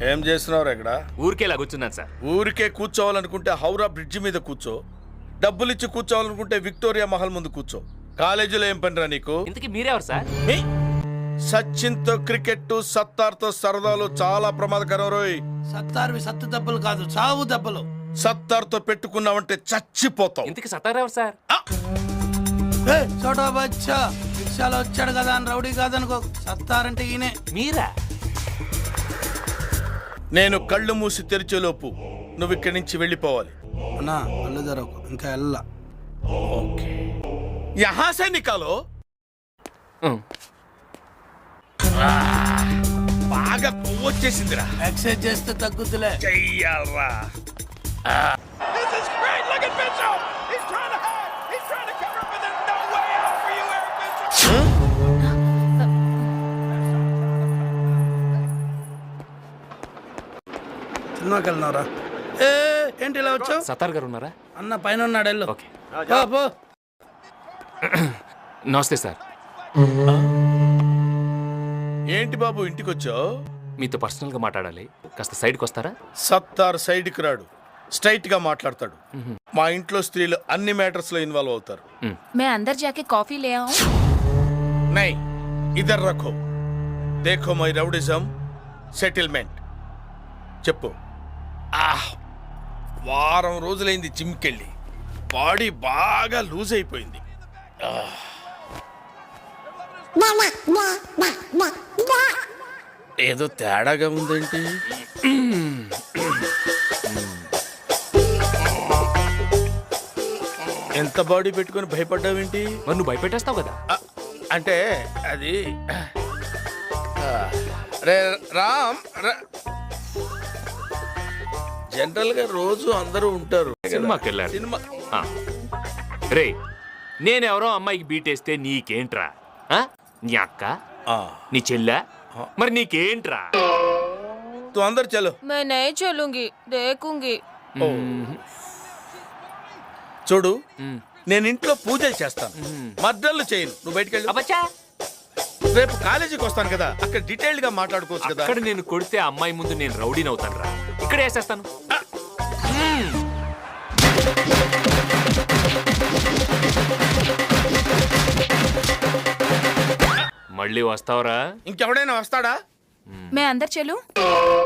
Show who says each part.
Speaker 1: ఏం చేస్తున్నావు ఇక్కడ?
Speaker 2: ఊరికేలా కూర్చున్నాను సార్.
Speaker 1: ఊరికే కూర్చోవాలనుకుంటే హౌరా బ్రిడ్జి మీద కూర్చో, డబ్బులిచ్చి కూర్చోవాలనుకుంటే విక్టోరియా మహల్ ముందు కూర్చో. కాలేజీలో ఏం పనిరా నీకు?
Speaker 2: ఇంతకీ మీరెవరు సార్?
Speaker 1: సచిన్తో క్రికెట్, సత్తార్తో సరదాలు చాలా ప్రమాదకరం రోయ్.
Speaker 3: సత్తార్వి సత్తు దెబ్బలు కాదు, చావు దెబ్బలు.
Speaker 1: సత్తార్తో పెట్టుకున్నావంటే చచ్చిపోతావు.
Speaker 2: ఇంతకీ సత్తారు ఎవరు సార్?
Speaker 3: చోటా బచ్చా రిక్షాలో వచ్చాడు కదా అని రౌడీ కాదనుకో. సత్తారంటే ఈయనే.
Speaker 2: మీరా?
Speaker 1: నేను కళ్ళు మూసి తెరిచేలోపు నువ్వు ఇక్కడి నుంచి వెళ్ళిపోవాలి.
Speaker 3: అన్నా కళ్ళు తెరవకు, ఇంకా వెళ్ళా.
Speaker 1: ఓకే, యహా సే నికాలో. బాగా కొవ్వొచ్చేసిందిరా.
Speaker 3: ఎక్సర్సైజ్ చేస్తే తగ్గుతులే.
Speaker 1: చెయ్యాలరా.
Speaker 3: సినిమాకి వెళ్ళినారా? ఏంటి ఇలా వచ్చావు?
Speaker 2: సత్తార్ గారు ఉన్నారా?
Speaker 3: అన్న పైన ఉన్నాడు, వెళ్ళు.
Speaker 2: ఓకే.
Speaker 3: పో.
Speaker 2: నమస్తే సార్.
Speaker 1: ఏంటి బాబు ఇంటికి వచ్చావు?
Speaker 2: మీతో పర్సనల్ గా మాట్లాడాలి, కాస్త సైడ్కి వస్తారా?
Speaker 1: సత్తార్ సైడ్కి రాడు, స్ట్రైట్ గా మాట్లాడతాడు. మా ఇంట్లో స్త్రీలు అన్ని మ్యాటర్స్ లో ఇన్వాల్వ్ అవుతారు.
Speaker 4: मैं अंदर जाके कॉफी ले आऊं?
Speaker 1: నై ఇదర్ రఖో, దేఖో మై రౌడిజం సెటిల్మెంట్. చెప్పు. వారం రోజులైంది జిమ్కెళ్ళి, బాడీ బాగా లూజ్ అయిపోయింది. ఏదో తేడాగా ఉందేంటి? ఎంత బాడీ పెట్టుకొని భయపడ్డావేంటి?
Speaker 2: మరి నువ్వు భయపెట్టేస్తావు కదా.
Speaker 1: అంటే అది రే రామ్, జనరల్ గా రోజు అందరూ ఉంటారు.
Speaker 2: సినిమాకి వెళ్ళారు.
Speaker 1: సినిమా
Speaker 2: రే, నేనెవరో అమ్మాయికి బీటేస్తే నీకేంట్రా? నీ అక్క, నీ చెల్లె, మరి నీకేంట్రా?
Speaker 1: తు అందరు చలో.
Speaker 4: मैं नहीं चलूंगी, देखूंगी.
Speaker 1: చూడు, నేను ఇంట్లో పూజలు చేస్తాను, మర్డర్లు చేయను. నువ్వు బయటికి వెళ్ళి.
Speaker 2: అబ్బచ్చా,
Speaker 1: రేపు కాలేజీకి వస్తాను కదా, అక్కడ డీటెయిల్డ్ గా మాట్లాడుకోవచ్చు కదా.
Speaker 2: అక్కడ నేను కొడితే అమ్మాయి ముందు నేను రౌడీని అవుతాను రా. ఇక్కడ వేసేస్తాను. మళ్ళీ వస్తావరా?
Speaker 1: ఇంకెవడైనా వస్తాడా?
Speaker 4: मैं अंदर चलूं?